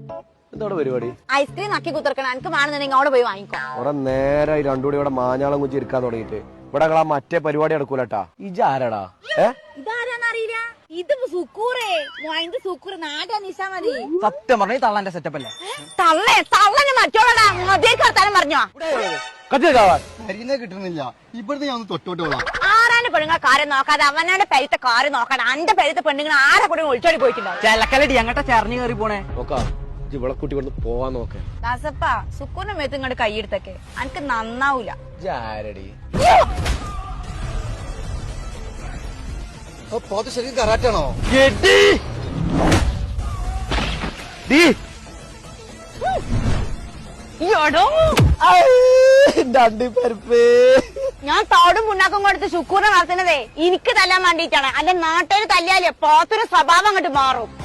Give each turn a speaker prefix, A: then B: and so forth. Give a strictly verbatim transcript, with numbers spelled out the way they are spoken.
A: എന്താണ് പരിപാടി?
B: ഐസ്ക്രീം നക്കി കുത്തിർക്കണം. എനിക്ക് വേണമെന്നുണ്ടെങ്കിൽ അവിടെ പോയി വാങ്ങിക്കോ.
A: ഇവിടെ നേരെ രണ്ടുകൂടി ഇവിടെ മാഞ്ഞാളം കുഞ്ചി ഇരിക്കാൻ തുടങ്ങിയിട്ട് ഇവിടെ ആ മറ്റേ പരിപാടി നടക്കൂലട്ടാ. ഇജാരടാ? ഏ
B: ഇതാരാന്നറിയില്ല. ഇത് സുക്കൂറേ മോയിന്റെ സുക്കൂറ് നാടാ നിശാ മതി.
C: സത്യം പറഞ്ഞ തള്ളാന്റെ സെറ്റപ്പ് അല്ലേ?
B: തള്ളേ തള്ളന് മറ്റോളടാ അതേക്ക് വർത്താനം പറഞ്ഞോ.
D: കരിനെ കിട്ടുന്നില്ല. ഇവിടുന്ന് ഞാൻ ഒന്ന് തൊട്ടോട്ടോളാം.
B: ആരാന്റെ പെണ്ണുങ്ങളെ കാര്യം നോക്കാതെ അവനോട് പെരുത്ത കാര്യം നോക്കാതെ അന്റെ പെരുത്ത പെണ്ണുങ്ങൾ ആരെ കൂടെ ഒളിച്ചോടി പോയിട്ടുണ്ടാവും.
C: ചെലക്കലടി അങ്ങോട്ട് ചെറിഞ്ഞു കയറി പോണേ.
A: നോക്കാം ഇവിടെ കുട്ടി കൊണ്ട് പോവാൻ നോക്കേ.
B: ദാസപ്പ സുക്കൂറിന്റെ മേത്ത് ഇങ്ങോട്ട് കൈയെടുത്തൊക്കെ എനിക്ക് നന്നാവൂല.
A: ജാരടി
D: പോത്ത് ശരിക്കും കറാറ്റാണോ?
B: ഞാൻ തോടും പുണ്ണാക്കും കൊടുത്ത് ശുക്കൂറിനെ നടത്തുന്നതേ എനിക്ക് തല്ലാൻ വേണ്ടിയിട്ടാണ്. അല്ലെ നാട്ടുകാർ തല്ലിയാലേ പോത്തൊരു സ്വഭാവം അങ്ങോട്ട് മാറും.